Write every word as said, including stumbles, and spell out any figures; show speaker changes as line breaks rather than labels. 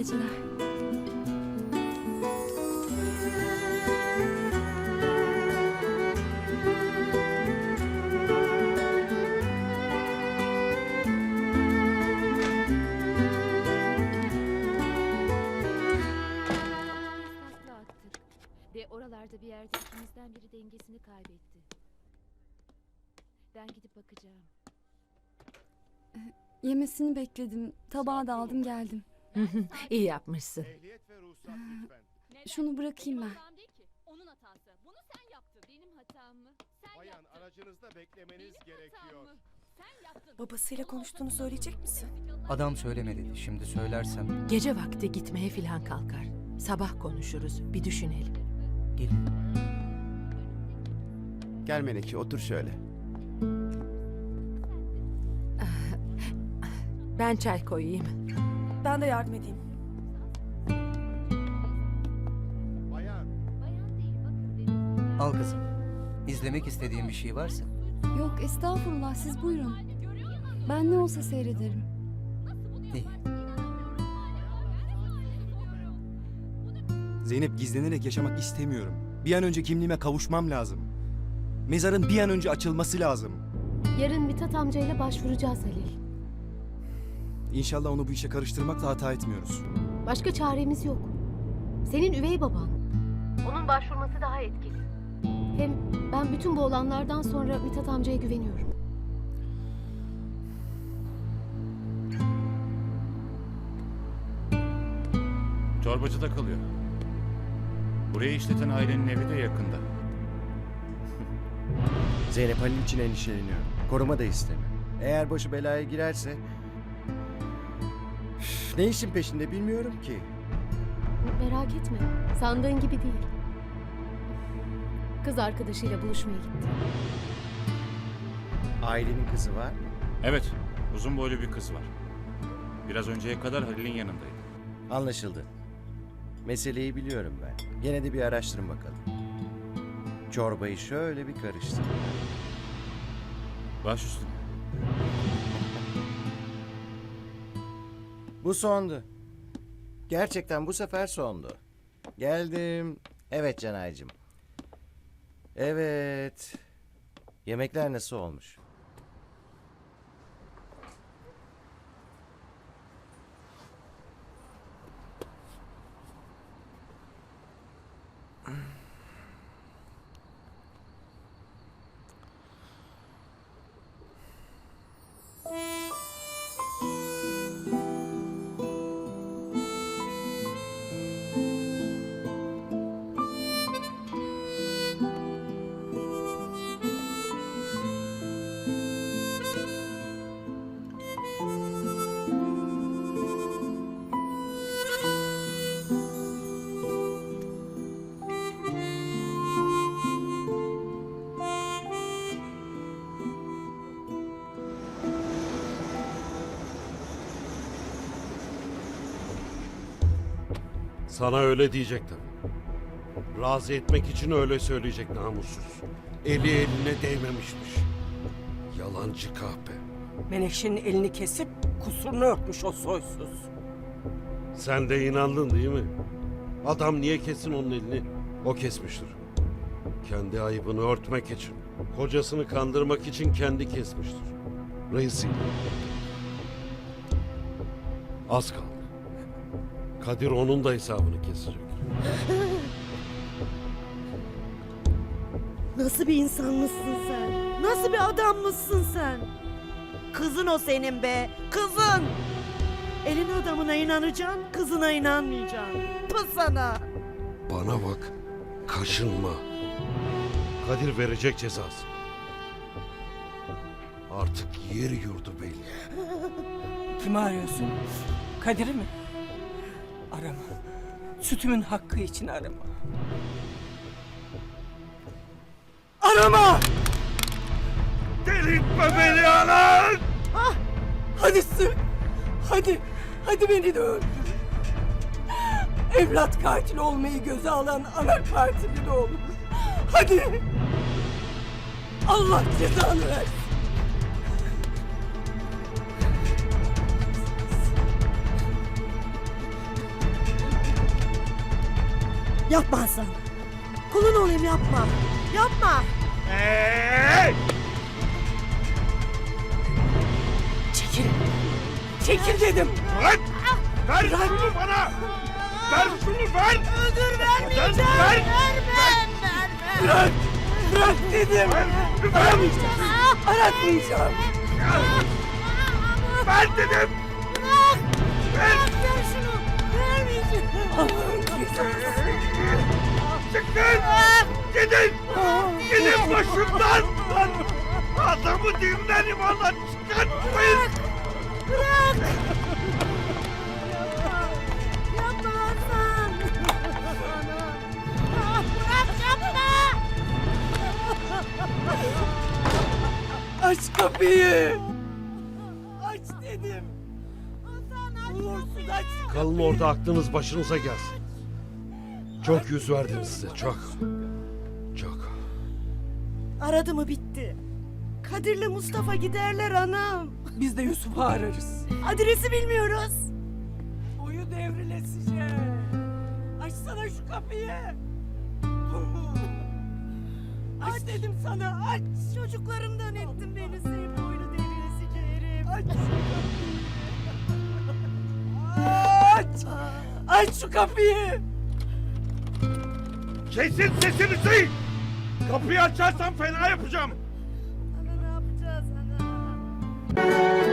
geceler.
Takla attık. Ve oralarda bir yerde ikimizden biri dengesini kaybetti. Ben gidip bakacağım.
Yemesini bekledim. Tabağı da aldım geldim.
İyi yapmışsın.
Ehliyet ve ruhsat lütfen.
Şunu bırakayım ben.
Hatam değil ki. Onun hatası. Bunu sen yaptın. Benim hatam mı? Sen
Bayan
yaptın.
aracınızda beklemeniz
Benim hatam
gerekiyor.
mı? Sen yaptın.
Babasıyla
Onun
konuştuğunu
ortasında
söyleyecek misin?
Adam söyleme dedi. Şimdi söylersem
Gece vakti gitmeye filan kalkar. Sabah konuşuruz, bir düşünelim.
gelin.
Gel Meneki otur şöyle.
Ben çay koyayım.
Ben de yardım edeyim.
Bayan
Bayan değil. Bakın benim.
Al kızım. İzlemek istediğin bir şey varsa.
Yok estağfurullah siz buyurun. Ben ne olsa seyrederim.
İyi.
Zeynep, gizlenerek yaşamak istemiyorum. Bir an önce kimliğime kavuşmam lazım. Mezarın bir an önce açılması lazım.
Yarın Mithat amcayla başvuracağız Halil.
İnşallah onu bu işe karıştırmakla hata etmiyoruz.
Başka çaremiz yok. Senin üvey baban. Onun başvurması daha etkili. Hem ben bütün bu olanlardan sonra Mithat amcaya güveniyorum.
Çorbacıda kalıyor. Burayı işleten ailenin evi de yakında.
Zeynep Halil için endişeleniyor. Koruma da istemiyor. Eğer başı belaya girerse... Üf, ne işin peşinde bilmiyorum ki.
Merak etme. Sandığın gibi değil. Kız arkadaşıyla buluşmaya gitti.
Ailenin kızı var.
Evet, uzun boylu bir kız var. Biraz önceye kadar Halil'in yanındaydı.
Anlaşıldı. Meseleyi biliyorum ben. Gene de bir araştırın bakalım. Çorbayı şöyle bir karıştır.
Baş üstüne.
Bu sondu. Gerçekten bu sefer sondu. Geldim. Evet Canaycığım. Evet. Yemekler nasıl olmuş?
Sana öyle diyecektim. Razı etmek için öyle söyleyecek namussuz. Eli eline değmemişmiş. Yalancı kahpe.
Menekşe'nin elini kesip kusurunu örtmüş o soysuz.
Sen de inandın değil mi? Adam niye kessin onun elini? O kesmiştir. Kendi ayıbını örtmek için. Kocasını kandırmak için kendi kesmiştir. Rezil. Az kaldı. Kadir onun da hesabını kesecek.
Nasıl bir insan mısın sen? Nasıl bir adam mısın sen? Kızın o senin be, kızın! Elin adamına inanacaksın, kızına inanmayacaksın. Pı sana!
Bana bak, kaşınma. Kadir verecek cezası. Artık yer yurdu belli.
Kimi arıyorsun? Kadir'i mi? Arama. Sütümün hakkı için arama. Arama!
Delirtme beni anan!
Ah! Hadi sık! Hadi! Hadi beni de öldür! Evlat katil olmayı göze alan ana partili de olur. Hadi! Allah cezanı versin! Yapma Hasan. Kulun olayım yapma. Yapma.
Hey!
Çekil. Çekil dedim.
Lan! Ver şunu bana! Ver şunu ver!
Öldür
vermeyeceğim.
Ver.
Ver.
Vermem.
Bırak. Bırak dedim.
Ver!
Aramayacağım. Aratmayacağım.
Ver dedim! Ver!
Ver şunu. Vermeyeceğim.
Çıkın! Gidin! Gidin başımdan! Lan! Adamı dinden imanla çıkartmayın!
Bırak. Yapma Hasan. Ah, bırak yapma.
Aç kapıyı. Aç dedim. Uğursuz aç.
Kalın orada aklınız başınıza gelsin. Çok yüz verdim size çok. Çok.
Aradı mı bitti. Kadir'le Mustafa giderler anam.
Biz de Yusuf'u ararız.
Adresi bilmiyoruz.
Boyu devrilesice. Açsana şu kapıyı. Aç dedim sana aç.
Çocuklarımdan ettin beni sevip boynu devrilesice herif.
Aç. Aç. Aç şu kapıyı.
Kesin sesinizi! Kapıyı açarsan fena yapacağım!
Ana ne yapacağız ana?